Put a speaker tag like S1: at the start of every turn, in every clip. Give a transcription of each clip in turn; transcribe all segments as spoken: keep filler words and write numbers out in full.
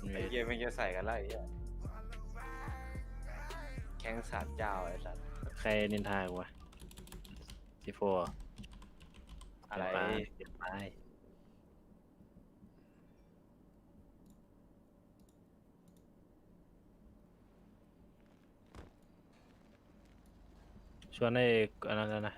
S1: ไอ้เหี้ยมันจะใส่กันไรไอ้เหี้ยแข้งสามเจ้าไอ้สัตว์
S2: ใครนินทากูวะซีโฟ
S1: อะไร
S2: เปลี่ยนไปชวนไอ้อันนั้นแล้วนะ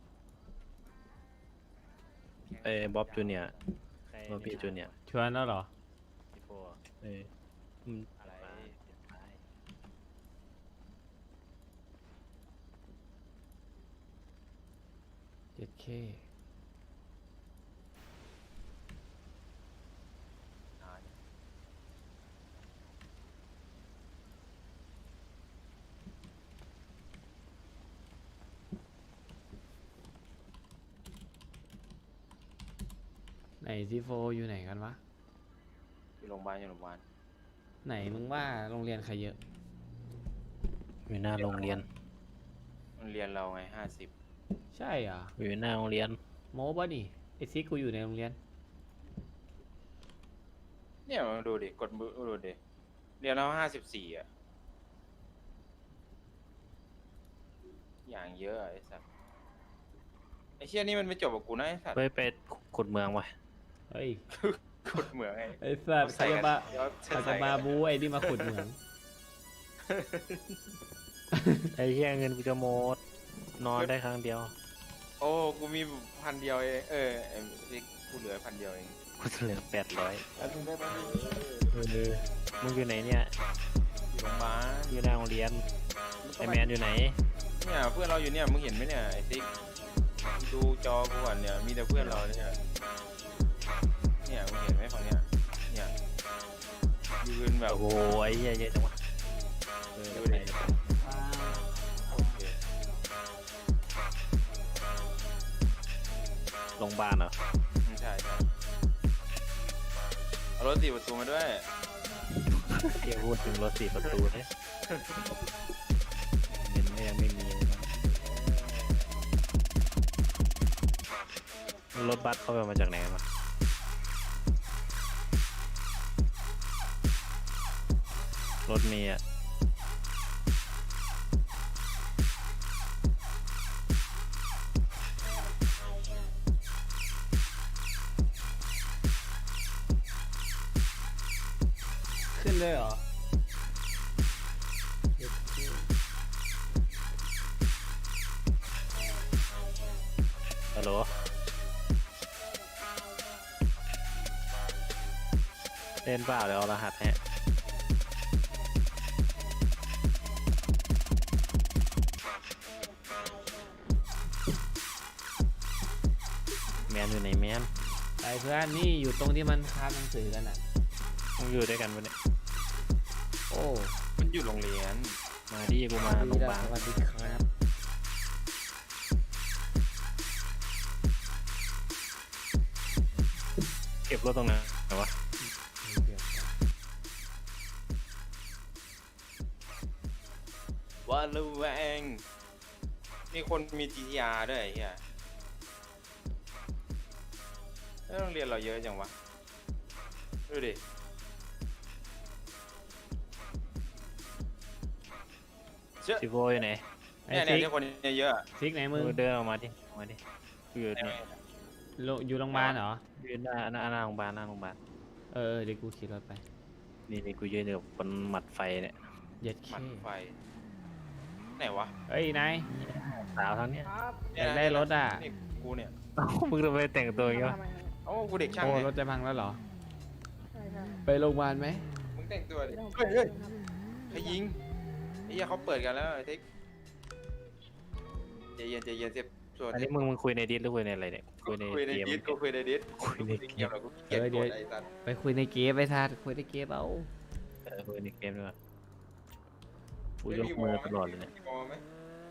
S2: ไอ้บ๊อบจูเนียร์บ๊อบบี้จูเนียร์
S3: ชวนแล้วเหรอ
S2: ซีโฟเอออืม
S1: อะไร
S2: เปลี่ยนไป
S3: เจ็ดเค
S1: อ่า
S3: ไหนซีโฟอยู่ไหนกันวะ
S1: อยู่โรงพยาบาลอยู่โรงพยาบาล
S3: ไหนมึงว่าโรงเรียนใครเยอะ
S2: อยู่หน้าโรงเรียน
S1: มันเรียนเราไงห้าสิบ
S3: ใช่เหรอ
S2: อยู่หน้าโรงเรียน
S3: โม้ป่ะนี่ไอซิกกูอยู่ในโรงเรียน
S1: เนี่ยมาดูดิกดมือดูดิเรียนเราห้าสิบสี่อ่ะอย่างเยอะไอ้สัตว์ไอ้เชี่ยนี่มันไม่จบกับกูนะไอ้สัตว์
S2: ไปไปขุดเมืองวะ
S3: เฮ้ย
S1: ขุดเหมืองไง
S3: ไอสัตว์เขาจะมา
S1: เดี๋ยว
S3: เขา
S1: ใส่
S3: จะ
S1: กัน
S3: มาบูไอ้นี่มาขุดเหมือง
S2: ไอ้เหี้ยเงินกูจะหมดนอนได้ครั้งเดียว
S1: โอ้กูมีพันเดียวเองเออไอ้ที่กูเหลือพันเดียวเอง
S2: กูเหลือแปดร้อย
S1: แล้วมึงได้ปะ
S2: เออมึงอยู่ไหนเนี่ย
S1: อยู่โรงพยาบาล
S2: อยู่หน้าโรงเรียนไอแมนอยู่ไหน
S1: เนี่ยเพื่อนเราอยู่เนี่ยมึงเห็นไหมเนี่ยไอ้ซิกดูจอกูก่อนเนี่ยมีแต่เพื่อนเราเนี่ยเนี่ยมึงเห็นไหมฝั่งเนี้ยเนี่ยยืนแบบ
S2: โอ้โหไอ้เหี้ยเยอะจังวะเออ
S1: ดู
S2: ไป
S1: ดิโอเค
S2: โรงพยาบาลเหรอ
S1: ไม่ใช่ใช่เอารถสี่ประตูมาด้วย
S2: เที่ยพูดถึงรถสี่ประตูเลยเงินก็ยังไม่มีเลยนะรถบัสเข้าไปมาจากไหนมา รถเมีอ่ะ
S3: ขึ้นเลยเหรอ
S2: ฮัลโหลเล่นเปล่าเดี๋ยวเอารหัสให้แมนอยู่ไหนแมน
S3: ไปเพื่อนนี่อยู่ตรงที่มันค้าหนังสือกันอ่ะ
S2: มึงอยู่ด้วยกันปะเนี่ย
S3: โอ้
S1: มันอยู่โรงเรียน
S2: มาดิกูมาโรงพยาบาล
S3: สวัสดีครับ
S2: เก็บรถตรงนั้นไหนวะ
S1: ว่าระแวงมีคนมี จี ที อาร์ ด้วยไอ้เฮียแล้วโรงเรียนเราเยอะจังวะดูดิเชื่อ
S2: ซิโวอยู่ไหน
S3: ไอ้
S1: เนี่ยเนี่ย
S3: ซิก
S1: ที่คนเยอะๆอะ
S3: ซิกไหนมึง
S2: มึงเดินออกมาดิออกมาดิกูอยู่เนี่ย
S3: โรอยู่โรงพยาบาลเหรอ
S2: ยืนหน้าหน้าหน้าโรงพยาบาลหน้าโรงพยาบาล
S3: เออเดี๋ยวกูขี่รถไป
S2: นี่นี่กูยืนอยู่บนหมัดไฟเนี่ย
S3: เย็ดเค
S1: หมัดไฟไหนวะ
S3: เฮ้ยนาย
S2: สาวทั้งเนี้ย
S3: อยากได้รถอ่ะ
S1: นี่กูเนี่ย
S2: เอ้ามึงทำไมแต่งตัวอย่างงี้วะ
S1: โอ้กูเด็กช่าง
S3: โอ้
S1: ไง
S3: รถจะพังแล้วเหรอ
S4: ใช่ใช่
S3: ไปโรงพยาบาลไหม
S1: มึงแต่งตัวดิ
S4: ไม่ต้อง
S1: เฮ้ยเฮ้ย
S4: ครับ
S1: ใครยิงไอ้เหี้ยเขาเปิดกันแล้วไอ้ทิกใจเย็นใจเย็นเจ็บตัว
S2: อันนี้มึงมึงคุยในดิสหรือคุยในอะไรเนี่ยคุยใน
S1: คุยใน
S2: เกม
S1: ดิสกูคุยในดิส
S2: คุยในเก
S1: เกม
S2: ม
S1: เรากูเกลียดกดไอ้สัตว์
S3: ไปคุยในเกมไปทัดคุยในเกมเอา
S2: เออคุยในเกมด้วยวะกูยกมือตลอดเลยเนี่ย
S1: มีวอลไหม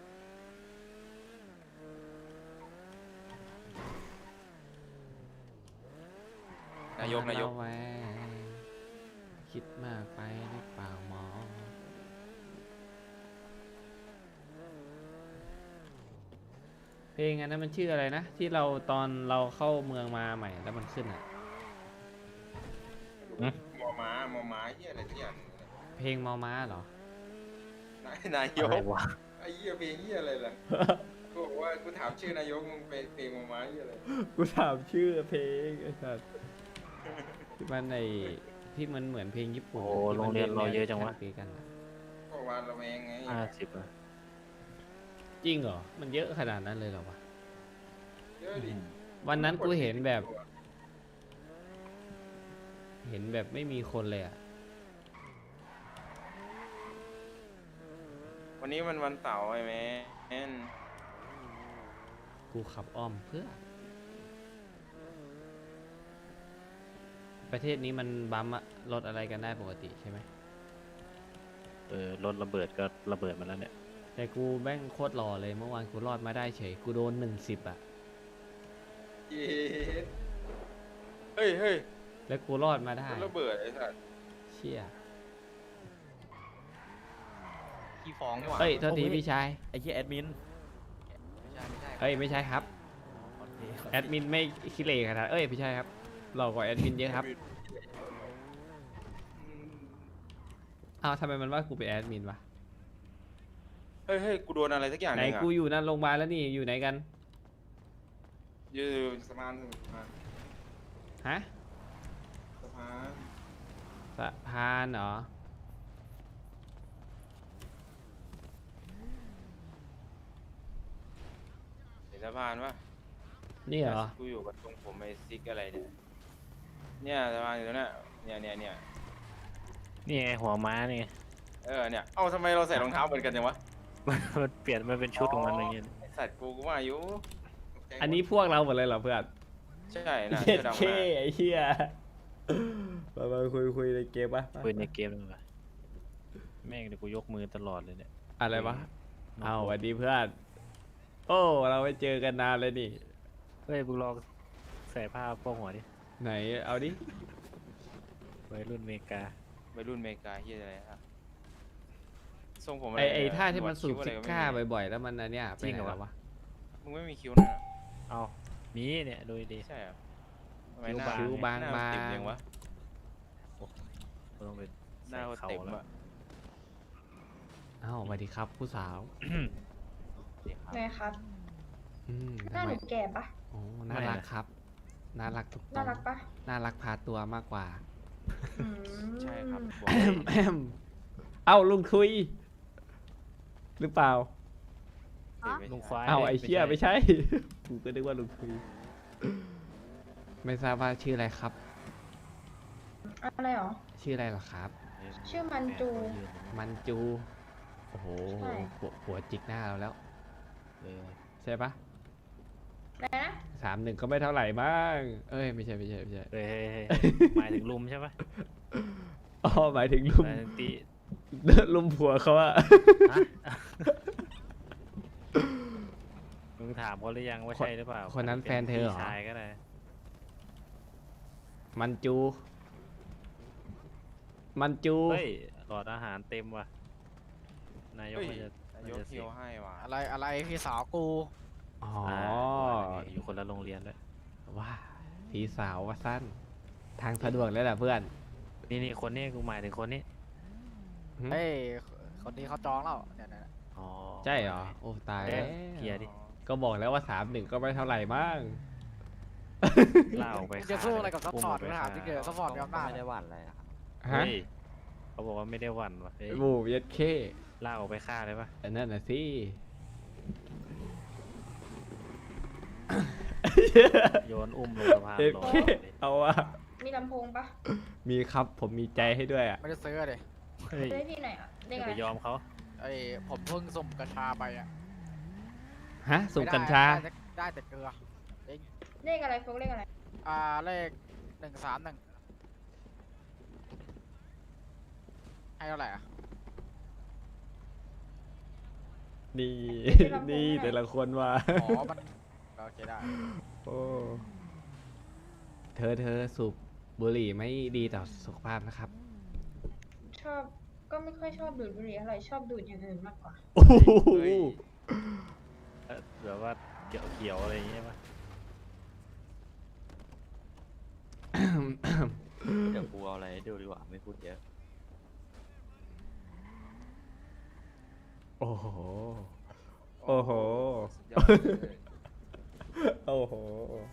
S1: นายกนายก
S3: ระแวงคิดมากไปหรือเปล่าหมอ เพลงอันนั้นมันชื่ออะไรนะ ที่เราตอนเราเข้าเมืองมาใหม่แล้วมันขึ้นอ่ะ
S1: วอลม้ามอม้าเฮียอะไรทุกอย่าง
S3: เพลงมอม้าเหรอ
S1: นายนาย
S2: อะ
S1: ก
S2: ไรวะ
S1: ไอ้เหี้ยเพลงเหี้ยอะไรล่ะ กูบอกว่ากูถามชื่อนายกมึงเป็นเพลงมอม้าเหี้ยอะไร
S3: กูถามชื่อเพลงไอ้สัสที่มันในที่มันเหมือนเพลงญี่ปุ่น
S2: โอ้โรงเรียนเราเยอะจังวะ
S3: ตีกันอะ
S1: ก็วานระแวงไง
S2: ห้าสิบอะ
S3: จริงเหรอ มันเยอะขนาดนั้นเลยเหรอวะ
S1: เยอะดิ
S3: วันนั้นกูเห็นแบบ เห็นแบบไม่มีคนเลยอ่ะ
S1: วันนี้มันวันเสาร์ไอ้แมน
S3: กูขับอ้อมเพื่อ ประเทศนี้มันบัมป์อะรถอะไรกันได้ปกติใช่ไหม
S2: เออรถระเบิดก็ระเบิดมาแล้วเนี่ย
S3: แต่กูแม่งโคตรหล่อเลยเมื่อวานกูรอดมาได้เฉย กูโดนหนึ่งสิบอ่ะ
S1: เย็ดเฮ้ยเฮ้ย
S3: แล้วกูรอดมาได้
S1: รถระเบิดไอ้สัส
S3: เชี่ย
S4: ขี้ฟ้องนี่หว่า
S3: เอ้ยโทษทีพี่ชาย
S4: ไอ้เหี้ยแอดมินไม่ใช่ไม่ใช่
S3: เอ้ยไม่ใช่ครับ
S4: ขอโทษขอโทษ
S3: แอดมินไม่คิเลขนาดเอ้ยไม่ใช่ครับหล่อกว่าแอดมินเยอะครับอ้าวทำไมมันว่ากูเป็นแอดมินวะ
S1: เฮ้ยเฮ้ยกูโดนอะไรสักอย่าง
S3: ไหน
S1: นึงอะ
S3: กูอยู่นั่นโรงพยาบาลแล้วนี่อยู่ไหนกัน
S1: อยู่สะพานสะพาน
S3: ฮะ
S1: สะพาน
S3: สะพานเหรอ
S1: เห็นสะพานปะ
S3: นี่เหรอ
S1: กูอยู่กับตรงผมไอ้ซิกอะไรเนี่ย เนี่ยสะพานอยู่ตรงเนี้ยเนี่ยเนี่ยเนี่ย
S2: นี่ไงหัวม้านี่ไง
S1: เออเนี่ย เอ้าทำไมเราใส่รองเท้าเหมือนกันจังวะ
S2: มันเปลี่ยนมันเป็นชุดของมันอย่างเงี้ย
S1: ไอ้สัตว์กูกูว่าอยู่
S3: อันนี้พวกเราหมดเลยเหรอเพื่อน
S1: ใช่นะ
S3: เย็ด
S1: สื้อดำ
S3: เค
S1: นะ
S3: ไอ้เหี้ยมามาคุยคุยในเกมปะ
S2: คุยในเกมเลยว่ะแม่งเดี๋ยวกูยกมือตลอดเลยเนี่ย
S3: อะไรวะ
S2: น้ง
S3: เอาส
S2: โบ๊ท
S3: วัสดีเพื่อน โอ้เราไปเจอกันนานเลยนี่
S2: เฮ้ยมึงลองใส่ผ้าโป้งหัวดิ
S3: ไหนเอาดิ
S2: วัยรุ่นอเมริกา
S1: วัยรุ่นอเมริกาเฮียอะไรครับทรงผมอะ
S3: ไอ
S1: ไร
S3: ไอ
S1: เนี่ย
S3: ท่าที่มันสูบ
S1: หวด
S3: ซิ
S1: คิ้วอะไร
S3: ก้า
S1: ไม่มี
S3: บ่อยๆแล้วมันอันเนี้ยไปไหนแล้ววะ
S1: มึงไม่มีคิ้วนะ
S2: เอามีเนี่ยดูดี
S1: ใช่เหรอทำไม
S2: คิ้ว
S1: หน้
S2: บาง
S3: คิ้วบาง
S1: หน้
S3: บาง
S1: ติ่มยังวะ
S2: ๆกูต้องเป็น
S1: หน้า
S2: ใส่
S1: เขา
S2: เขา
S1: เต็ม
S2: แล้ว
S1: อะ
S3: อ้าวสวัสดีครับผู้สาว
S5: ไงครับ
S3: อืม
S5: หน้า
S3: ทำ
S5: ห
S3: ไม
S5: นูแก่ปะ
S3: โอ้น่ารักครับ น่ารักทุกตร
S5: น่าง รักปะ
S3: น่ารักพาตัวมากกว่า
S5: อืม
S1: ใช่ครับบอก
S3: แอมแอมเอ้าลุงคุย หรือเปล่า
S1: เลย
S2: ลุงควาย
S3: เอ้าไอ้เชี่ยไม่
S2: ใช่
S3: ใช่ กูก็นึกว่าลุงคุย ไม่ทราบว่าชื่ออะไรครับ
S5: อะไรหรอ
S3: ชื่ออะไรเหรอครับ
S5: ชื่อมันจู
S3: มันจู โอ้โห
S5: ใช่
S3: หัวหัวจิกหน้าเราแล้ว
S2: เออ
S3: ใช่ปะ
S5: อะไรนะ
S3: สามหนึ่งก็ไม่เท่าไหร่บ้าง เอ้ยไม่ใช่ไม่ใช่ไม่ใช่
S2: เฮ้ยเฮ้ยเฮ้ยหมายถึงลุมใช่ปะ
S3: อ๋อหมายถึงลุ
S2: ห
S3: ม
S2: มายถึงตี
S3: ลุมผัวเขาอะ
S2: ฮะมึงถามเขาหรือยังว่าใช่หรือเปล่า
S3: คนนั้นแฟนเธอเหรอ
S2: พี่ชายก็ได้
S3: มันจู มันจู
S2: เฮ้ยหลอดอาหารเต็มว่ะนายก
S1: เฮ้ย
S2: มันจะ
S1: นาย
S2: มัน
S1: ก
S2: จะ
S1: เที่ยวให้ว่ะ
S4: อะไรอะไรพี่สาวกู
S3: อ๋อ
S2: อ่าอยู่คนละโรงเรียนเลย
S3: ว้าพี่สาวว่าสั้น ทางสะดวกเลยแหละเพื่อน
S2: นี่นี่คนนี้กูหมายถึงคนนี้
S3: หึ
S4: เฮ้ยคนนี้เขาจองแล้วเนี่ยเนี่ย
S2: อ๋อ
S3: ใช่เหรอ โอ้ตาย
S2: เอ๊ะ
S3: แล้ว
S2: เคลียร์ดิ
S3: ก็บอกแล้วว่าสามหนึ่งก็ไม่เท่าไหร่มั้ง
S2: ล่าออกไป
S4: มึงจะสู้อะไรกับซัพพอร์ต
S2: อุ้
S4: มึงถามจริงเดียวซัพพอร์ตมีอำนาจ
S6: ไม่ได้หวั่นอะไรนะครับ
S3: ฮะ
S2: เฮ้ยเขาบอกว่าไม่ได้หวั่นว่ะเฮ้ย
S3: บูเย็ดเค
S2: ล่าออกไปฆ่าเลยปะ
S3: อันนั้นน่ะสิ
S2: โยนอุ้มลงสะพาน
S3: เย็ด
S2: ลง
S3: เคเอาอะ
S5: มีลำโพงปะ
S3: มีครับผมมีใจให้ด้วยอะ
S4: ไม่ได้ซื้อเลย
S2: เฮ้ย
S5: ได้ที่ไหนอ่ะ
S2: อ
S5: ได้
S2: ย่า
S5: ไง
S2: ไปยอมเขา
S4: ไอ้ผมเพิ่งส่งกัญชาไปอ่ะ
S3: ฮะสูบกัญชา
S4: ได้ได้แต่เกลือ
S5: เลขอะไรโฟกเลขอะไร
S4: อ่าเลขหนึ่งสามหนึ่งให้เท่าไหร่อ่ะ
S3: นี่ นี่แต่ละคนว่า
S4: อ๋อมันโอเคได้
S3: โอ้เธอเธอสูบบุหรี่ไม่ดีต่อสุขภาพนะครับ
S5: ชอบ ก็ไม่ค่อยชอบดูดบุหรี่อะไรชอบดูดอย่างอื่นมากกว่า
S3: โอ้โห
S1: เฮ้ย
S2: เอ่อแบบว่าเขียวเขียวๆอะไรอย่างเงี้ยปะเดี๋ยวกูเอาอะไรให้ดูดีกว่าไม่พูดเยอะ
S3: โอ้โห โอ้โห
S1: สุดยอดเลย
S3: โอ้โห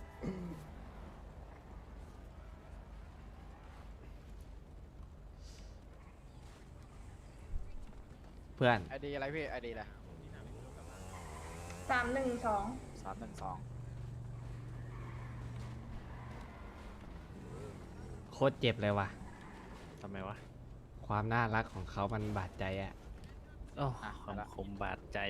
S3: เพื่อน
S4: ไอดีอะไรพี่ไอดีอะไร
S5: สามหนึ่งสอง
S4: สามหนึ่งสอง
S3: โคตรเจ็บเลยว่ะ
S2: ทำไมวะ
S3: ความน่ารักของเขามันบาดใจอะ
S2: โอ้ความคมบาดใจ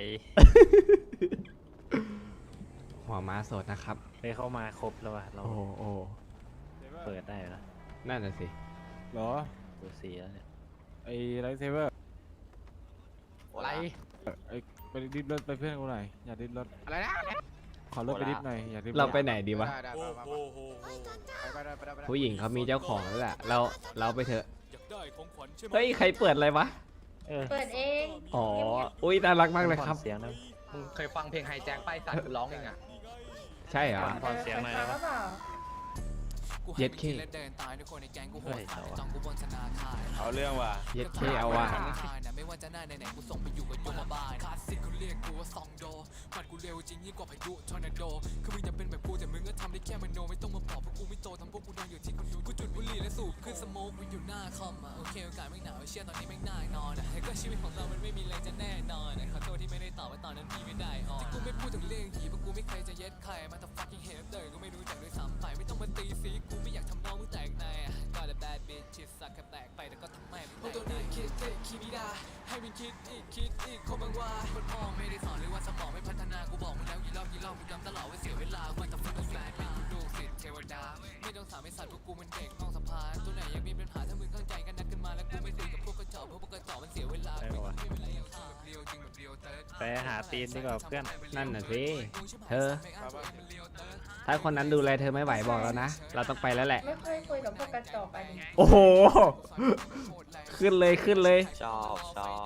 S3: หัวม้าสดนะครับ
S2: ไปเข้ามาครบแล้ววะเรา
S3: โอ้โหโอ้โห
S2: เปิดได้แล้ว
S3: นั่นน่ะสิ
S6: เหรอ
S2: ตัวสีแล้วเนี่ย
S6: ไอ้ไลท์เซเวอร์
S4: อะไร
S6: ไอ้ไปดิฟรถไปเพื่อนกูหน่อยอย่าดิฟรถ
S4: อะไรนะ
S6: ขอรถไปดิฟหน่อยอย่าดิฟ
S3: เราไปไหนดีวะ
S4: ได้ได้ไปไปไปไปไปไปไป
S3: ผู้หญิงเขามีเจ้าของแล้วแหละเราเราไปเถอะ
S7: อยากได้ของขวัญใช่ไหม
S3: เฮ้ย ใครเปิดอะไรวะ
S2: เออ
S5: เปิดเอง
S3: อ๋อ อุ้ยน่ารักมากเลยครับ
S2: เสียงนะ
S8: มึงเคยฟังเพลงไฮแจ็คป้ายสัตว์กูร้องเองอ่ะ
S3: ใช่เหรอ
S2: ฟังเสียงหน่อย
S5: ฟั
S2: ได้
S5: ง
S2: ปะ
S5: หรือเปล่า
S7: กู
S3: เย็
S7: ให้
S3: ด
S7: ไป
S3: เข้
S7: กินและเดินตายด้วยคนในแก๊งกูโห
S2: เฮ้
S7: ด
S2: ยเอาวะ
S7: จ้องกูบนธนาคาร
S1: เอาเรื่องว่ะ
S3: เย็ดเท่เอาว่ะ
S7: ธนาคารน่ะไม่ว่าจะหน้าไหนๆกูส่งไปอยู่กับโยมบาลคลาสสิกเขาเรียกกูว่าซองโดปัดกูเร็วจริงยิ่งกว่าพายุทอร์นาโดคือมึงจะเป็นแบบกูแต่มึงก็ทำได้แค่มโนไม่ต้องมาบอกเพราะกูไม่โตทำพวกกูนอนอยู่ที่คอนโดกูจุดบุหรี่และสูบขึ้นสโมกกูอยู่หน้าคอมอ่ะโอเคโอกาสไม่หนาวไอ้เชี่ยตอนนี้ไม่น่านอนอ่ะแต่ก็ชีวิตของเรามันไม่มีอะไรจะแน่นอนอ่ะขอโทษที่ไม่ได้ตอบว่าตอนนั้นพี่ไม่ได้ออนที่กูไม่พูดถึงเรื่องหีเพราะกูไม่เคยจะเย็ดใครมาแต่ fucking hater ก็ไม่รู้จักด้วยซ้ำไปไม่ต้องมาตีสีกูไม่อยากทำน้องมึงแตกในอ่ะก็แต่ bad bitch ชิดสักแค่แตกไปแต่ก็ทำไม่พวกตัวนี้คิดเท่คิดไม่ได้ให้มันคิดอีกคิดอีกคนบางว่าคนมองไม่ได้สอนเลยว่าสมองไม่พัฒนากูบอกมึงแล้วกี่รอบกี่รอบกูย้ำตลอดว่าเสียเวลาว่าแต่ฟังต้องแฝงเป็นลูกศิษย์เทวดาไม่ต้องสามไอ้สัตว์พวกกูมันเด็กนอกสะพานตัวไหนยังมีปัญหาถ้ามึงเข้าใจกันนักขึ้นมาแล้วกูไม่ตีกับพวกกระจอกเพราะพวกกระจอกมันเสียเวลา
S2: ได้ปะวะ
S7: ไม่เป็นไรอย่างข้าแบบเรียวจริงแบบเรียวเติร์ด
S2: ไปหาตีนดีกว่าเพื่อน
S3: นั่นน่ะสิ เธอ ถ้าคนนั้นดูแลเธอไม่ไหวบอกแล้วนะ เราต้องไปแล้วแหละ
S5: ไม่ค่อยคุยกับพวกกระจอกอันนี้
S3: โอ้โห ขึ้นเลยขึ้นเลย
S2: ชอบชอบ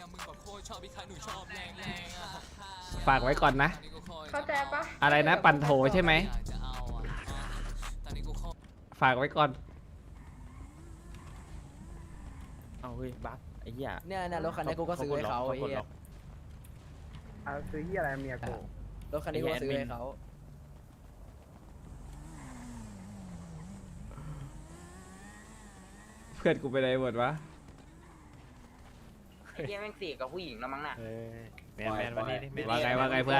S3: ฝากไว้ก่อนนะ
S5: เข้าใจปะ
S3: อะไรนะ ปั่นโถใช่ไหม ฝากไว้ก่อน
S2: เอาเฮ้ยบัฟไอ้เหี้ย
S8: เนี่ยนะรถคันนี้กูก็ซื้อให้เขาไอ้เหี้ย
S9: เอาซื้อที่อะไรเมียกู
S8: รถคันนี้กูก็ซื้อให้เขา
S3: เพื่อนกูไปไหนหมดวะ
S8: ไอ้เหี้ยแม่งเสียกับผู้หญิงแล้วมั้งน่ะ
S2: เออแมนแมนวันนี้ดิแมน
S3: ว่าไงว่าไงเพื่อน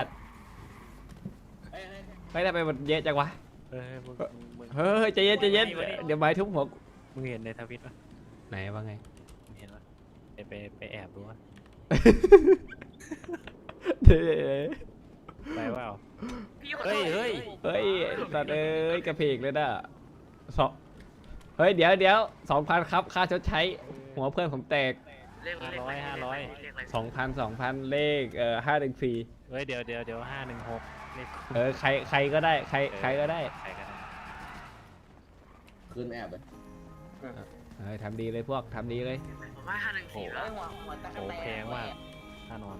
S3: ไม่ได้ไปหมดเยอะจังวะ
S2: เออมึงมึง
S3: เฮ้ยใจเย็นใจเย็น เดี๋ยวไม้ทุบหัวกู
S2: มึงเห็นในทวิตปะ
S3: ไหนว่าไง
S2: มึงเห็นปะไปไปไปแอบดูวะ
S3: เดี๋ยว
S2: ไปว่าเฮ้ยเฮ้ย
S3: เฮ้ยสัตว์เอ้ยกระเพกเลยน่ะสองเฮ้ยเดี๋ยวเดี๋ยวสองพันครับค่าชดใช้ หัวเพื่อนผมแตก
S2: ห้าร้อยห้าร้อย
S3: สองพันสองพันเลขเอ่อห้าหนึ่งสี่
S2: เฮ้ยเดี๋ยวเดี๋ยวเดี๋ยวห้าหนึ่งหกเลข
S3: เออใครใครก็ได้ใครใครก็ได้
S2: ใครก็ได้
S9: คืนแอบเลย
S3: เออทำดีเลยพวกทำดีเลย
S2: โอ้โหโอ้แพงมากค่านอน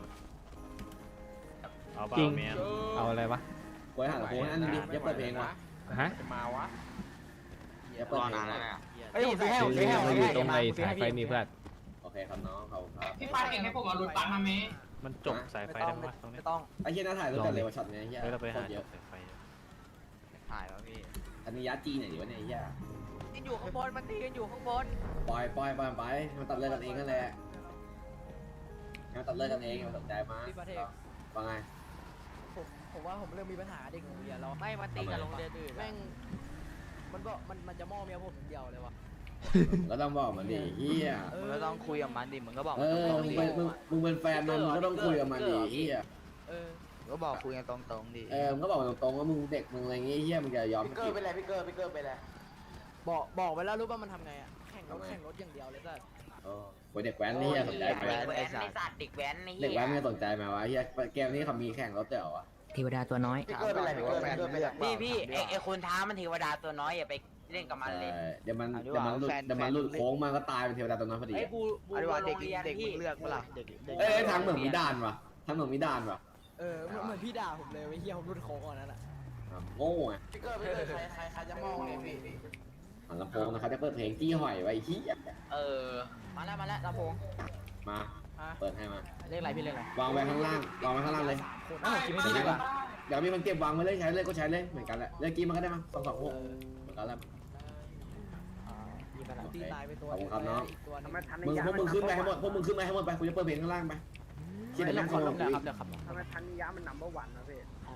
S2: เอาเป
S3: จริ
S2: ล่าง เมียน
S3: เอาอะไรวะ
S9: ไว้หาโค้งนั่นดิอย่าเปิดเพลงวะ
S3: ฮะ
S4: จะมาวะ
S9: อย่าเปิดเพลงวะ
S4: เฮ้ยผมซื้อให้ผมซื้อให้ผม
S3: มัน
S4: ซื้
S3: อ
S4: อให้
S3: ยู่ตรงไอ้สายไฟนี่เพื่อน
S9: โอเคครับน้องเขาครับ
S8: พี่ป้าเก่งให้ผมเอารถบัสมาไหม
S2: มันจบสายไฟได้ไหมตรงนี้
S8: ไม่ต้อง
S9: ไอ้เหี้ยน่าถ่ายรูปกันเลยว่าช็อตเนี้ยเหี้ย
S2: เฮ้ยเราไป
S9: โค
S2: หา
S9: ตร
S2: จ
S9: เย
S2: บ
S9: อะ
S2: สายไฟ
S4: ถ่ายวะพี่
S9: อันนี้ยัดจีไหนดีวะเนี่ยไอ้เหี้ย
S8: มันอยู่ข้างบนมันตีกันอยู่ข้างบน
S9: ปล่อยปล่อยปล่อยไปมันตัดเลิกกันเองนั่นแหละมันตัดเลิกกันเองมันสนใจมา
S8: พี่ประเทศ
S9: ว่าไง
S8: ผมผมว่าผมเริ่มมีปัญหาเด็กหนูอย่าเราไม่มันตีกับโรงเรียนอื่นแม่งมันก็มันมันจะมองเมียผมอย่างเดียวเลยวะ
S9: ก็ต้องบอกมันดิเหี้ย
S8: มึงก็ต้องคุยกับมันดิมึงก็บอก
S9: เออมึงเป็นมึงมึงเป็นแฟนมันมึงก็ต้องคุยกับมันดิเหี้ย
S8: เออก็บอกคุยกันตรงๆดิ
S9: เออมึงก็บอกตรงๆว่ามึงเด็กมึงอะไรเงี้ยเหี้ยมึงจะยอม
S8: พี่เกอร์เป็นไรพี่เกอร์พี่เกอร์เป็นไรบอกบอกไปแล้วรู้ป่ะมันทำไงอ่ะแข่งรถแข่งรถอย่างเดียวเลยสัส
S9: เออโอ้ยเด็กแว้นนี่เหี้ยสนใจไหม
S8: ไอ้สัตว์เด็กแว้นนี่
S9: เด็กแว้นมึงสนใจไหมวะเหี้ยเกมนี้เขามีแข่งรถเดี๋ยวอะ
S10: เทวดาตัวน้อย
S8: พี่เกอร์เป็นไรพี่เกอร์พี่เกอร์เป็นไร
S10: พี่พี่ไอไอคนท้ามันเทวดาตัวน้อยอย่าไปเล่นกับมันเลย
S9: เออเดี๋ยวมันเดี๋ยวมันหลุดเดี๋ยวมันหลุดโค้งมันก็ตายเป็นเทวดาตัวน้อยพอดี
S8: ไอ้
S9: อะ
S8: บูบูเด็กเด็กมึงเลือกเปล่าเด็ก
S9: เอ้ยเอ้ยทางเหมืองมีด่านวะทางเหมืองมีด่านวะ
S8: เออเหมือนพี่ด่าผมเลยไอ้เหี้ยผมรุดโค้งก่อนนั่นแหละ
S9: อ่ะโง่ไง
S8: พี่เกอร์พี่เกอร์ใครใครใครจะมองเลยพี่
S9: ฮหันลำโพงนะครับจะเปิดเพลงจี้หอยไว้ที่
S10: เออ
S8: มาแล้วมาแล้วลำโพง
S9: มา
S8: อ่ะ
S9: เปิดให้มา
S8: เลขอะไรพี่เลขอะไร
S9: วางไว้ข้างล่างวางไว้ข้างล่างเลย
S8: คนอ้าวกินไม่ดีดีกว่า
S9: เดี๋ยวมีคนเก็บวางไว้เลยใช้เลยก็ใช้เลยเหมือนกันแหละเลยกินมันก็ได้มั้งสองสองหกเหมือนกันแหละ
S8: อ่ามีขนาดตีตายไปตัว
S9: ขอบคุณครับน้อง
S8: อีกตัวหนึง
S9: มึงพวกมึงขึ้นไปให้หมดพวกมึงขึ้นไปให้หมดไปกูจะเปิดเพลงข้างล่างไปคิด
S8: เดี๋
S9: เดี๋
S8: ย
S9: ยว ว
S8: ขอ
S9: นั่ง
S8: ล
S9: ล
S8: ง
S9: ง
S8: เดี๋ยวครับเดี๋ยวครับ
S4: ทำไมทันนิยะมันนัมเบอร์วันนะพี่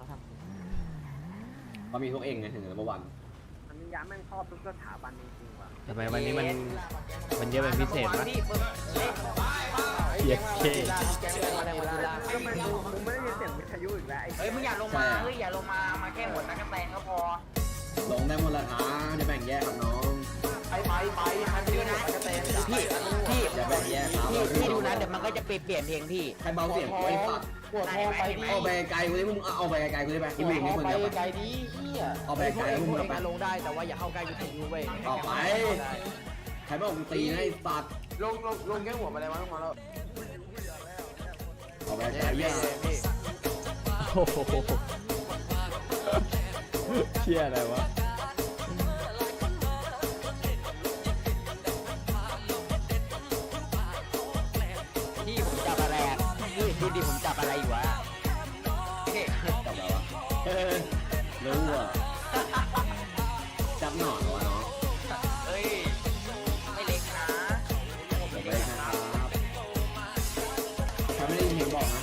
S9: เขามีพวกเองไงถึงเมื่อวัน
S4: ทันนิยะแม่งครอบทุกสถาบันจริงๆว่ะ
S3: ทำไมวันนี้มันมันเยอะเป็นพิเศษวะ
S10: พี่ปึ๊บเอ๊ะ
S3: เพียเค
S8: อะไรวะจุฬา
S4: ก็ไม่รู้มึงไม่ได้ยินเสียงวิทยุอีกแล้วไอ้
S10: เฮ้ยมึงอย่าลงมา เฮ้ยอย่าลงมา มาแค่หมดตะกั่วแตนก็พอ
S9: ลงได้หมดละท้าจะแบ่งแยกครับน้อง
S8: ไปไปไปทันทีนะจะเต้น
S10: พี่ พี่
S9: อย่าแบ่งแยกครับ
S10: พี่พี่ดูนะเดี๋ยวมันก็จะเปลี่ยนเปลี่ยนเพลงพี่
S9: ใครเบาเสียงไว้ปัด
S8: ปวดท้องไปดิ
S9: เอาไปไกลกูเลยมึงเอาไปไกลกูเลยไปกินเองให้คน
S8: ไป
S9: เดียว
S8: ไกล
S9: ไป
S8: ดิเฮีย
S9: เอาไปไกล
S8: พว
S9: มึ
S8: ก
S9: ง
S8: เอง
S9: เอาไป
S8: มาลงได้แต่ว่าอย่าเข้าใกล้วิทยุเว้ย
S9: ต่อไป ใครบอกกูตีนะไอ้สัตว์
S4: ลงลงลงแค่หัวมาเลยมั้งมาแล้ว
S9: เอาไปไกลเยอะ
S3: โอ้โหเชี่ยอะไรวะ
S10: พี่ผมจับอะไรอ่ะพี่ดูดิผมจับอะไรอยู่วะเฮ้ย
S9: จับแล้ววะเฮ้ยรู้อ่ะจับหนอนวะน้อง
S10: เฮ้ย ไม่เล็กนะ
S9: ผมไม่ได้นะครับใครไม่ได้ยินเพลงบอกนะ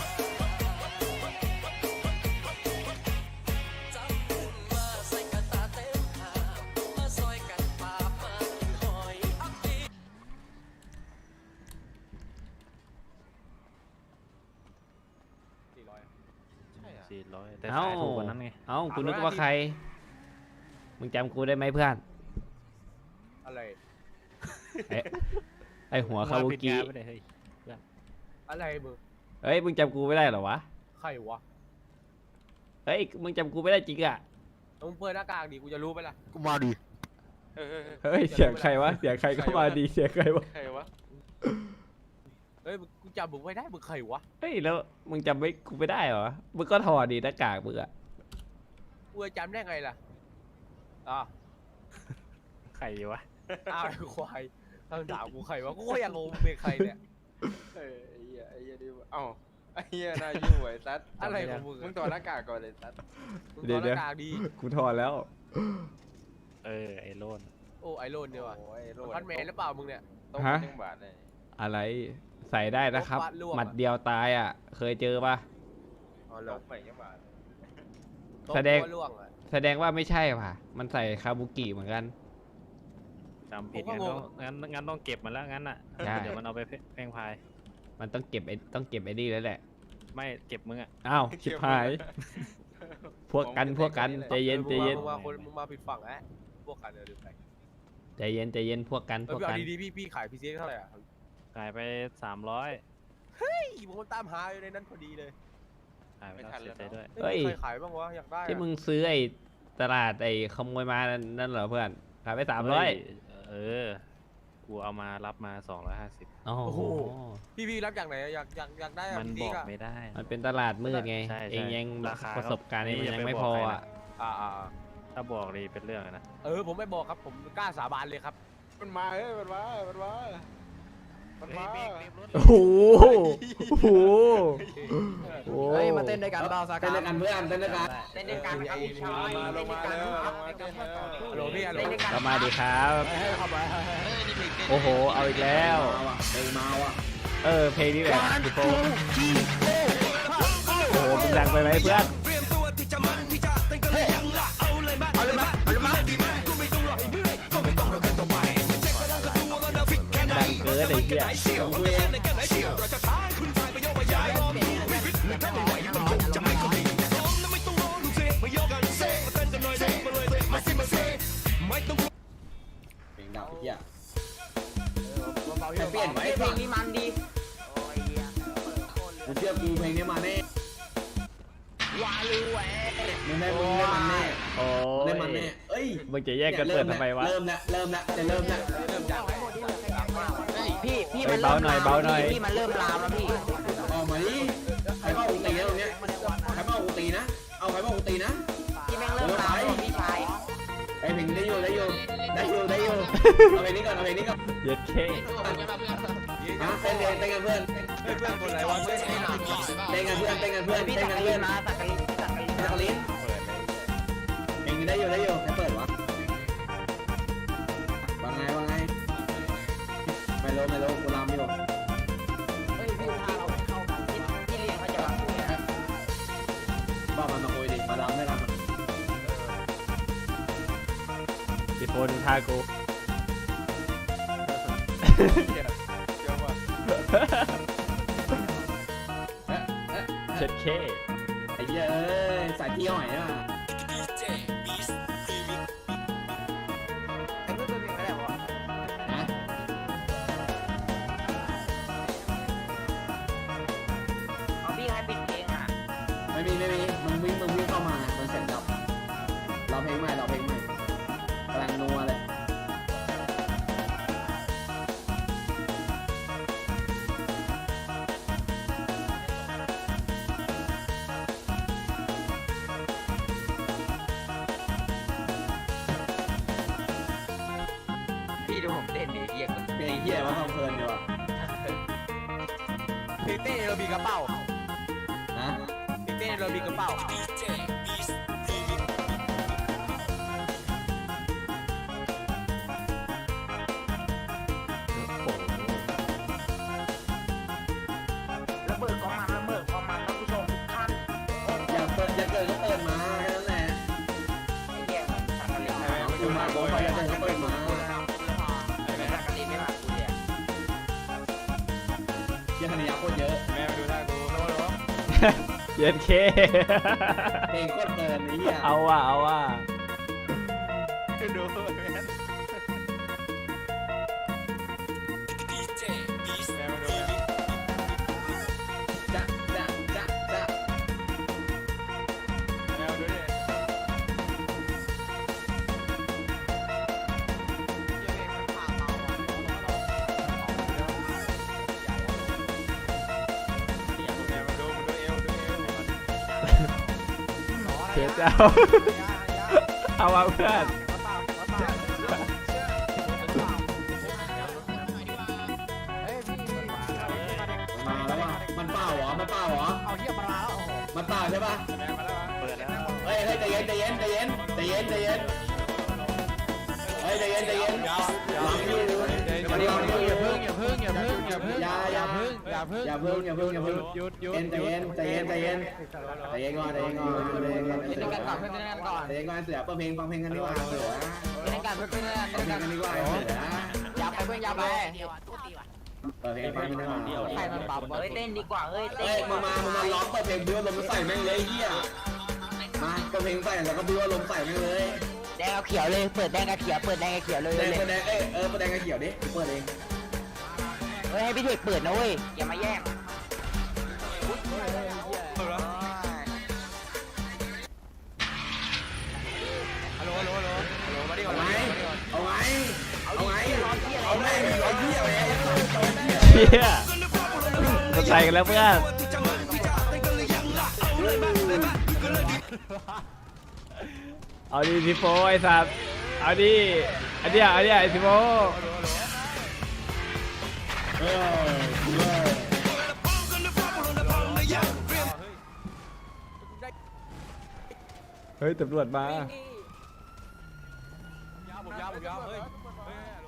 S2: สี่ร้อยแต่
S3: เอ้า
S2: ขายถูกกว่านั้นไง
S3: เอ้ากูนึกว่าใคร มึงจำกูได้ไหมเพื่อน
S4: อะไร
S3: ไอ้ไอหัวคาบุ
S2: ผิด
S3: กิ
S2: งานไม่ได้เฮ้ย
S4: อะไรมึง
S3: เฮ้ยมึงจำกูไม่ได้เหรอวะ
S4: ใครวะ
S3: เฮ้ยมึงจำกูไม่ได้จริงอ่ะ
S4: มึงเปิดหน้ากากดิกูจะรู้ไหมล่ะ
S1: กูมาดิเออ
S3: เฮ้ยเสียงใครวะเสียงใครก็มาดีเสียงใครวะ
S1: ใครวะ
S4: เฮ้ยกูจำมึงไม่ได้มึงใครวะ
S3: เฮ้ยแล้วมึงจำไม่กูไม่ได้เหรอมึงก็ถอดดีหน้ากากมึงอะ
S4: กูจะจำได้ไงล่ะอ่ะ
S2: ใครวะ
S4: อ้าวไอ้ควายคำถามกูใครวะกูก็ยังงงมึงเป็นใครเนี่ย
S1: เออไอ้เหี้ยไอ้เหี้ยดิเอ้าไอ้เหี้ยน่ายุ่งไว้ซัด
S4: อะไรของมึง
S1: มึงถอดหน้ากากก่อนเลยซัด
S4: มึงถอดหน้ากากดี
S3: กูถอดแล้ว
S2: เออไอ้โลน
S4: โอ้ไอโรนเนี่ยว่ะ
S1: โอ้ยโลด
S4: พันแมนหรือเปล่ามึงเนี่ย
S1: ต้อง
S3: ฮะ
S1: หนึ่งบาทเลย
S3: อะไรใส่ได้นะครับ
S4: ลบวะลวกอะ
S3: หมัดเดียวตายอ่ะ เคยเจอปะ
S4: อ๋อเหร
S1: ต้
S4: อ
S1: องไปยังบาท
S3: แสดง
S4: ตัวล่วงอ่ะ
S3: แสดงว่าไม่ใช่ป่ะ มันใส่คาบุกิเหมือนกัน
S2: จำผิด
S4: ผมก็
S2: งั้น
S4: ง
S2: ต้อง งงั้นงั้นต้องเก็บมันแล้วงั้นอ่ะ
S3: ใช่
S2: เดี๋ยวมันเอาไปแพร่งพาย
S3: มันต้องเก็บไอ้ต้องเก็บไอ้นี่แล้วแหละ
S2: ไม่เก็บมึงอ่ะ
S3: อ้าวชิบหาย พวกกันพวกกันใจเย็นใจเย็น
S4: มึงมาคนมึงมาผิดฝั่งแอะพวกกันเดี๋ยวดูไป
S3: ใจเย็นใจเย็นพวกกัน
S4: เอ
S3: พ
S4: อ
S3: วก
S4: พี่เอา
S3: กัน
S4: ดีๆพี่พี่ขายพีซีเท่าไหร่อ่ะ
S2: ขายไปสามร้อย
S4: เฮ้ยผมตามหาอยู่ในนั้นพอดีเลย
S2: ขายไปแล้วเสียใจด้วย
S3: เฮ้ย
S4: ใครขายบ้างวะอยากได้อะ
S3: ที่มึงซื้อไอ้ตลาดไอ้ขโมยมานั่นเหรอเพื่อนขายไปสามร้อย
S2: เออ กูเอามารับมาสองร้อยห้าสิบ
S3: โอ้โห
S4: พี่พี่รับจากไหนอะอยากอยากอยากได้อะ
S2: มัน
S4: พี
S2: บ
S4: ซี
S2: อก
S4: อะ
S2: ไม่ได้
S3: มันเป็นตลาดมืดไง
S2: ใช่ใช่
S3: เองยัง
S2: ราคา
S3: ประสบการณ์นี้มัน
S2: ก็
S3: ยังไม่
S2: อย่าไป
S3: พอ
S2: บอกใคร
S3: อ่ะ
S2: นะ
S4: อ่าอ่าอ่า
S2: ถ้าบอกนี่เป็นเรื่องอะนะ
S4: เออผมไม่บอกครับผมกล้าสาบานเลยครับ
S1: มันมาเฮ้ยมันมามันมามันมา
S3: โอ้โหโอ้โหโอ้
S8: เฮ้ยมาเต้นด้วยกันเปล่าสา
S9: เต้
S8: กาน
S9: ด้วยกันเพื่อนเต้นด้วยกัน
S10: เล่นด้วยกันครับพี่ชาย
S1: มาล
S10: เล่
S1: ง
S10: นด้
S1: มา
S10: วยกัน
S1: แล้ว
S10: ครับ
S1: มาเต้นแล้ว
S4: ฮัลโหลพี่ฮัลโหล
S10: เล่นด้วยกัน
S3: ก็มาดีครับ
S8: ให้เข้าไป
S3: โอ้โห เอาอีกแล้ว
S9: มาว่ะเพลงมาว่ะ
S3: เออ เพลงนี้แบบพี่โฟโอ้โหมึงดังไปไหมเพื่อนดังเกินไอ้เหี้ย
S9: เพลงดับไอ้เหี้ย
S8: เบาๆ
S9: แต่เปลี่ยนไว้
S10: เพลงนี้มันดีโอ้ยเหี้ย
S9: กูเชื่อกูเพลงนี้มาแน่
S10: วาลูแหว
S9: มึงได้มึงได้มันแน่
S3: โอ้
S9: มึงได้
S3: ย
S9: มันแน่เอ้ย
S3: มึงจะแยกกันเปิดทำไมวะ
S9: เริ่มละเริ่มละจะเริ่มละ
S10: พี่พี่
S3: เฮ้
S10: มั
S3: ย
S10: น
S3: เบา
S10: เริ่ม
S3: หน่อยเบาหน่อย
S10: พี่มันเริ่มลามแล้วพี่
S9: ออกมาดิใครบอกกูตีนะตรงเนี้ยใครบอกกูตีนะ เอาใครบอกกูตีนะ
S10: พี่แม่งเริ่มลามแล้วพี่ชาย
S9: ไอ้เพลงได้อยู่ได้อยู่ได้อยู่ได้อยู่เอาเพลงนี้ก่อนเอาเพลงนี้ก่อน
S3: เย็ดเค
S9: ฮะเต้นเต้นเต้นกันเพื่อน
S1: เฮ้ยเพื่อนคนอะไรวะเพื่อน
S9: เต้นกันเพื่อนเต้นกันเพื่อน
S8: พี่
S9: เต้น
S8: สัก
S9: กัน
S8: กะลิ
S9: เพื่อน
S8: นมาสักกะลินสักกะลิน
S9: นักลิ้นเองได้อยู่ได้อยู่ให้เปิดวะว่าไงว่าไงไม่รู้ไม่รู้กูรำอยู่
S8: เฮ้ยพี่พาเราเข้ากันพี่พี่เลี้ยงเขาจะมาคุยนะ
S9: บอกมันมาคุยดิมารำได้รำ
S3: สิโฟดูท่ากู
S1: เดี๋ยวว่ะ
S3: เช็ดเค
S9: ไอ้เหี้ยเอ้ยสายเที่ยวหน่อยอ่ะ
S8: ไอ้เพื่อนตัวเองก็ได้บอก
S9: ฮะ
S8: เอาพี่ให้ปิดเพลงอ่ะ
S9: ไม่มีไม่มีมึงวิ่งมึงวิ่งเข้ามามันเสร็จแล้วเราเพลงใหม่เราเพลงใหม่กำลังนัวเลย
S8: พี่ดูผมเต้นดิเยี่ยม
S9: เพลงเหี้ยว่าทำเพลินดีว่ะ
S4: พี่เต้เรามีกระเป๋า
S9: นะ
S4: พี่เต้เรามีกระเป๋า
S8: ระเบิดกองมันระเบิดกองมันท่านผู้ชมทุกท่าน
S9: อย่าเปิดอย่าเกิดก็เปิดมาแค่นั้นแหละ
S8: ไอ้เหี้ยสักกะลิน
S9: เอาคือมาบอกว่าอย่าเกิดก็เปิดมา
S8: สักกะลินไม่มาคุยอ่ะ
S9: เหี้ยธนิยาโคตรเยอะ
S1: แม่มาดูท่ากูแล้วแล้ว
S3: เย็ดเค
S9: เพลงโคตรเพลินไอ้เหี้ย
S3: เอาว่ะเอาว่ะ
S1: ดูแม่แม่มาดูแม่
S9: จะจะจะจะ
S1: แม่มาดูดิ แม่มาดูมาดูเอวดูเอว
S3: เช็ดเอาเอาว่ะเพื่อน
S8: เฮ้ยพี่พี่
S9: มาแล้วว่ะมันเปล่าเหรอมันเปล่าเหรอ
S8: เอาเหี้ยมาแล้ว
S9: มันเปล่าใช่ปะ
S1: แม่มาแล้ว
S2: เปิดแล้ว
S9: เฮ้ยเฮ้ยใจเย็นใจเย็นใจเย็นใจเย็นใจเย็นเฮ้ยใจเย็นใจเย็นหลังอยู่มันหลังอยู่อย่าเพิ่งอย่าเพิ่งอย่าเพิ่งอย่าเพิ่งอย่าอย่าเพิ่งอย่าเพิ่งอย่าเพิ่งอย่าเพิ่งอย่าเพิ่ง
S6: หยุดหยุด
S9: ใจเย็นใจเย็นใจเย็นใจเย็นก่อนใจเย็นก่อนใจเย็นก่อน
S8: เล่นกันก่อนเพื่อนเล่นกันก่อน
S9: ใจเย็นก่อนเสือเปิดเพลงฟังเพลงกันดีกว่าเสือ
S8: เล่นกันเพื่อนเล่น
S9: ฟังเพล
S8: กั
S9: ง
S8: น
S9: กันดีกว่าเสือ
S8: อย่าไปเพื่อนอย่าไป
S9: เปิดเพลงฟังกันดีกว่า
S8: ใครมันปรับเฮ้ยเต้นดีกว่าเฮ้ยเต้
S9: เฮ้ย
S8: น
S9: มึงมามึงมาร้องเปิดเพลงบิ้วลมใส่แม่งเลยเฮียมาเปิดเพลงใส่แล้วก็บิ้วลมใส่แม่งเลย
S8: แดงกับเขียวเลยเปิดแดงกับเขียวเปิดแดงกับเขียวเลย
S9: แด
S8: เลย
S9: งแดงเอ้ยเออแดงกับเขียวดิเปิดเอง
S8: เฮ้ยให้พี่เด็กเปิดนะเว้ยอย่ามาแย่ง
S1: ฮัลโหลฮัลโหลฮัลโหลฮัลโหลมาดิ
S9: เอา
S1: มา
S9: ไง
S1: ดิ
S9: เอาไงเอาไงเอาแม่งเอาเหี้ยเลย
S3: เฮียมาใส่กันแล้วเพื่อนเอาดิสิโฟไอ้สัตว์เอาดิอันเนี้ยอันเนี้ยไอ้สิโฟ
S9: เออเออ
S3: เฮ้ยตำรวจมา
S1: ยาวผมยาวผมยาวเฮ้ยเฮ้ยฮัลโหล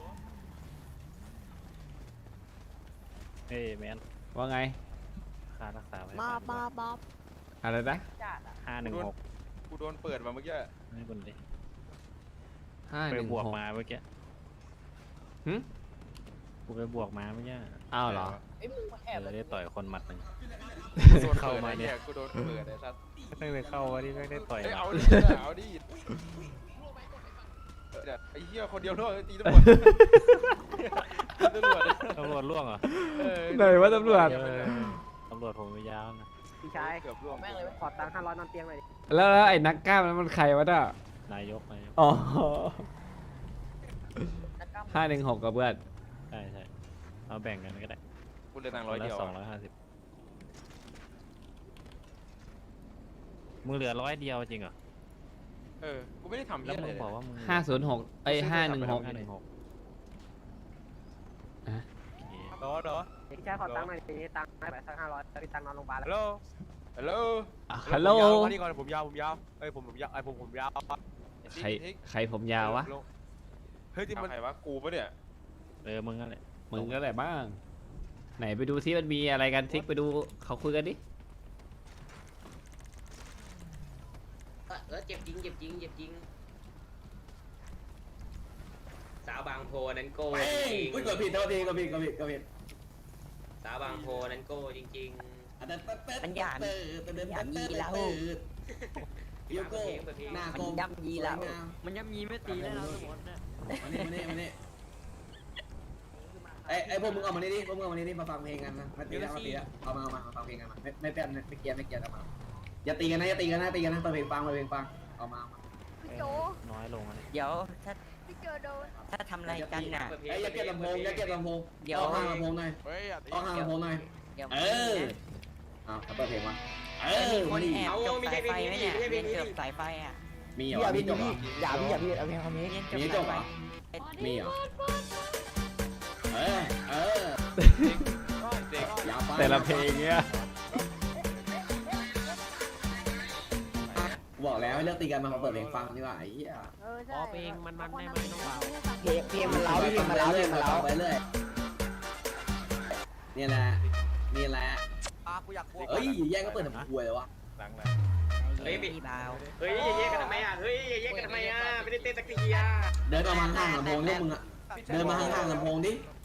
S2: เฮ้ยแมน
S3: ว่าไง
S2: ค่ารักษาพยา
S8: มา
S2: บาล
S8: มามา
S3: อะไรนะ
S2: ห้าหนึ่งหก
S1: กูโดนเปิดมาเมื่อกี้
S2: ให้คนเลย
S3: ห้า
S2: ไป
S3: หนึ่ง
S2: บวก
S3: หก
S2: มาเมื่อกี้
S3: หึ
S2: กูไปบวกมาเมื่อกี้
S3: อ้าวเหรอ
S8: ไอ้มึงมาแอ
S2: เอบ อได้ต่อยคนหมัดหนึ่ง
S1: โดน
S2: เข้า
S1: เปิด
S2: มา
S1: ไอ้
S2: เนี่
S1: เนี่ย ยกูโดนเปิดไอ้สัส
S2: ตั้งแต่เข้ามาที่ไม่ได้ต่อย
S1: เฮ้ย
S2: หมั
S1: เอา
S2: ด
S1: ดิเอาดิเดี๋ยวไอ้เหี้ยคนเดียวโดนตีตำรวจตีตำรวจ
S2: ตำรวจล่วงเหรอ
S1: เออ
S3: ไหนวะตำรวจ
S2: เออตำรวจผมไม่ยาวนะ
S8: พี่ชาย
S1: เกือบร่วง
S8: แม่งเลยขอตังค์ห้าร้อยนอนเตียงหน่อยดิ
S3: แล้วแล้วไอ้นักกล้ามนั้นมันใครวะน่ะ
S2: นายกนายก
S3: อ๋อ
S8: นักกล้าม
S3: ห้าหนึ่งหกกับเพื่อน
S2: ใช่ใช่เอาแบ่งกันก็ได้
S1: กูเลยตังค์ร้อยเดียว
S2: สองร้อยห้าสิบมึงเหลือร้อยเดียวจริงเหรอ
S1: เออกูไม่ได้ทำ
S2: แล้
S1: เหี้
S2: วย มึ
S1: อะไร
S2: ง
S1: เลย
S2: บอกว่ามึง
S3: ห้าศูนย์หกไอ้ห้าหนึ่งหก
S2: ห้าหนึ่งหก
S4: รอรอ
S8: พี่ชายขอตังค์หน่อยดิตังค์ไปสักห้าร้อยพี่ตังค์นอนโรงพยาบาล
S4: ฮั
S8: แล้
S4: ล
S8: ว
S4: โหฮัลโหล
S3: อ่ะฮัลโหล
S4: มานี่ก่อนผมยาวผมยาวเอ้ยผมผมยาวไอ้ผมผมยาว
S3: ใครใครผมยาววะ
S4: เฮ้ยที่
S1: เอา
S4: มัน
S1: ใครวะกูปะเนี่ย
S2: เออมึงนั่นแหละ
S3: มึงก็แหละบ้าง ไหนไปดูซิมันมีอะไรกันซิกไปดูเขาคุยกันดิ
S10: เออเจ็บจริงเจ็บจริงเจ็บจริงสาวบางโพนั้นโก้
S9: เฮ้
S10: จ
S9: ย
S10: ริง
S9: อุ้ยกดผิดโทษทีกดผิดกดผิดกดผิด
S10: สาวบางโพนั้นโก้จริง
S9: มันหยาดหยาดยีแล้วยูโก้หน้าโกงย่ำยีแล้ว
S8: มันยังมีไม่ตีแล้วนะสมมติเนี่ย
S9: มานี่มานี่มานี่ไอ้ไอ้พวกมึงเอามานี่ดิพวกมึงเอามานี่ดิมาฟังเพลงกันนะมาตีแล้วมาตีแล้วเอามาเอามามาฟังเพลงกันมาไม่ไม่เป็นไม่เกียร์ไม่เกียร์กันมาอย่าตีกันนะอย่าตีกันนะตีกันนะเปิดเพลงฟังเปิดเพลงฟังเอามา
S5: พี่โจ
S2: น้อยลงอะไร
S10: เดี๋ยวถ้า
S5: พี่โจโดน
S10: ถ้าทำอะไรกันน่ะ
S9: ไอ้อย่าเก็บลำโพงอย่าเก็บลำโพง
S10: เดี๋ยว
S9: เอาข้างลำโพงหน่อย
S4: เฮ้ยอย่าตี
S9: เอาข้างลำโพงหน่อย
S10: เดี๋ยว
S9: เออเอาเปิดเพลงมาเออ
S10: มีคน
S9: นี่
S10: แอบจบสายไฟไหมเนี่ยเรียนจบสายไฟอ่ะ
S9: มีเหรอมีจบเหรอ
S8: อย่าพี่อย่าพี่เอาเพลงเอาเพลง
S10: เรียนจบ
S9: มีจ
S10: สา
S9: บ
S10: ย
S9: เห
S10: ไฟ
S9: รอมีเหรอเออเออ
S4: เด็ก
S9: อย่าไป
S3: แต่ละเพลงเงี้ย
S9: บอกแล้วให้เลิกตีกันมาเปิดเพลงฟังดีกว่าไอ้เหี้ย
S5: เออใช่
S8: อ๋อเพลงมันมันได้ไหมน้องเบา
S5: เพลง
S8: เพลงมันเล้าเพลงมันเล้าเพลงมันเล้า
S9: ไปเรื่อยนี่แหละนี่แหละ
S4: อ่ะกูอยากบวก
S9: เอ้ยแย่งก็เปิดทำควยเลยวะ
S1: หลังหลัง
S10: เฮ้ยพี่เบาเฮ้ยอย่าแยกกันทำไมอ่ะเฮ้ยอย่าแยกกันทำไมอ่ะไม่ได้เต้นสักทีอ่ะ
S9: เดินออกมาห่างลำโพงพวกมึงอะเดินมาห่างๆลำโพงดิ